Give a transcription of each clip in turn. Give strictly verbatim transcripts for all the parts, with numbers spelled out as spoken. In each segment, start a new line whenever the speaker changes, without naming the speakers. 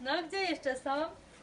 No, gdzie jeszcze są?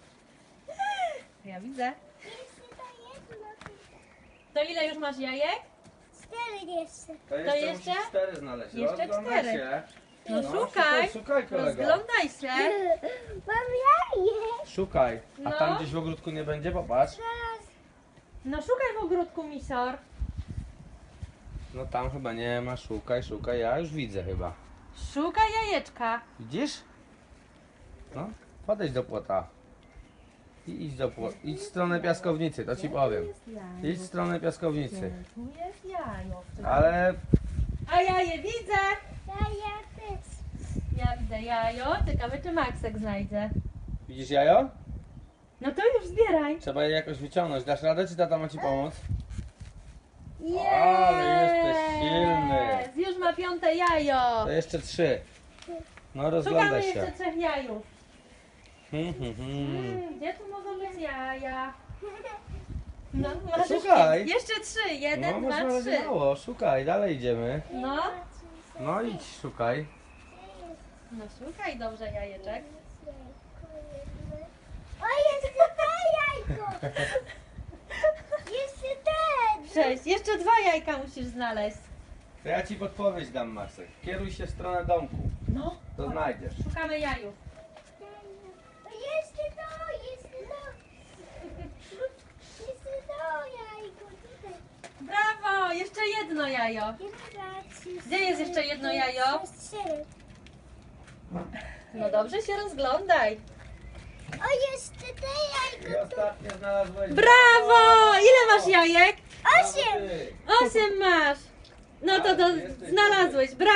Ja widzę.
Jeszcze to jedno.
To ile już masz jajek?
Cztery jeszcze.
To jeszcze,
jeszcze?
musisz cztery znaleźć.
Jeszcze
Rozglądaj
cztery.
się.
No,
No,
szukaj.
szukaj kolego.
Rozglądaj się.
Mam jaje.
Szukaj. A
No.
tam gdzieś w ogródku nie będzie? Popatrz.
Teraz
No szukaj w ogródku, misor.
No tam chyba nie ma. Szukaj, szukaj. Ja już widzę chyba.
Szukaj jajeczka.
Widzisz? No, podejdź do płota. I idź do płota. Idź w stronę piaskownicy, to ci powiem. Idź w stronę piaskownicy.
Tu jest jajo.
Ale
A jaje widzę.
jaja też.
Ja widzę jajo. Ciekawe, czy Maksek znajdzie.
widzisz jajo?
No to już zbieraj.
Trzeba je jakoś wyciągnąć. Dasz radę, czy tata ma ci pomóc?
Jest!
Ale jesteś silny.
Już ma piąte jajo.
To jeszcze trzy. No
Szukamy
rozglądaj
jeszcze
się.
trzech jajów.
Hmm, hmm, hmm.
Hmm, gdzie tu mogą być jaja? No, masz
Szukaj.
Jeszcze trzy. Jeden,
No
dwa,
masz na razie
trzy.
mało. Szukaj, dalej idziemy.
No,
No idź, szukaj.
no szukaj dobrze jajeczek.
O, jeszcze to jajko. Jeszcze ten.
Sześć. Jeszcze dwa jajka musisz znaleźć.
To ja ci podpowiedź dam, Maksek. Kieruj się w stronę domku.
No,
To znajdziesz.
szukamy jajów.
O, jeszcze to, jeszcze to. Jeszcze to jajko. Tutaj.
Brawo! Jeszcze jedno jajo. Gdzie jest jeszcze jedno jajo?
Jest cztery.
No dobrze się rozglądaj.
O, jeszcze te
I
jajko.
ostatnio znalazłeś.
Brawo! Ile masz jajek?
Osiem.
Ty.
Osiem masz. No to, to znalazłeś. Brawo!